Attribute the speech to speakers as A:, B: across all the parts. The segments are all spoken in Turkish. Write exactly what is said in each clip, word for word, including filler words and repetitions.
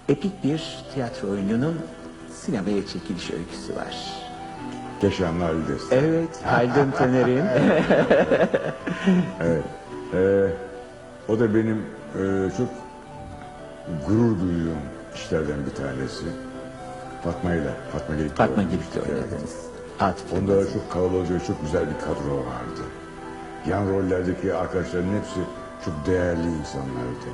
A: epik bir tiyatro oyununun sinemaya çekiliş öyküsü var.
B: Keşanlı Destan.
A: Evet, Haldun Taner'in.
B: Evet. Ee, o da benim e, çok gurur duyduğum işlerden bir tanesi. Fatma ile, Fatma Gelik'le
A: Fatma
B: oynamıştık,
A: Gelik'le
B: evet.
A: oynadınız. Atıf
B: Onda
A: Yılmaz.
B: da çok kalabalık ve çok güzel bir kadro vardı. Yan rollerdeki arkadaşların hepsi çok değerli insanlardı.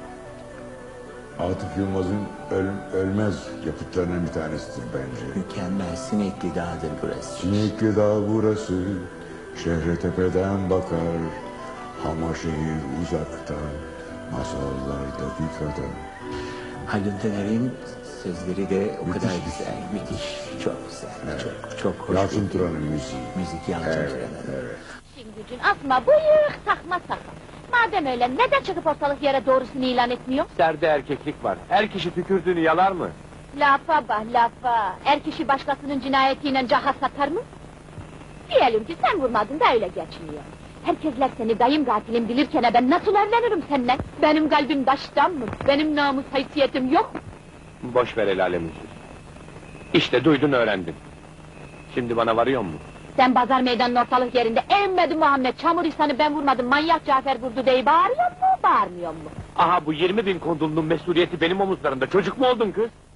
B: Atıf Yılmaz'ın öl- ölmez yapıtlarından bir tanesidir bence.
A: Mükemmel, Sinekli Dağ'dır burası.
B: Sinekli dağ burası, şehre tepeden bakar. Ama şehir uzaktan, masallardaki kadar.
A: Haldun Taner'in sözleri de o
B: Müthiş
A: kadar
B: bir şey.
A: güzel, müthiş, çok güzel, çok çok hoş.
B: Yalçın
A: bir-
B: Turan'ın müziği.
A: Müzik Yalçın
B: Evet,
A: Turan'ın.
B: evet.
C: İşin gücün asma bıyık, takma sakal. Madem öyle neden çıkıp ortalık yere doğrusunu ilan etmiyor?
D: Serde erkeklik var. Her kişi tükürdüğünü yalar mı?
C: Lafa bah lafa. Er kişi başkasının cinayetiyle caha satar mı? Diyelim ki sen vurmadın da öyle geçiniyor. Herkesler seni dayım katilim bilirken ben nasıl evlenirim seninle? Benim kalbim taştan mı? Benim namus haysiyetim yok mu?
D: Boş ver el alemin sözü. İşte duydun öğrendin. Şimdi bana varıyor mu?
C: Sen pazar meydanının ortalık yerinde emmedi Muhammed çamur insanı ben vurmadım manyak Cafer vurdu diye bağırıyor mu bağırmıyor mu?
D: Aha bu yirmi bin kondulunun mesuliyeti benim omuzlarımda. Çocuk mu oldun kız?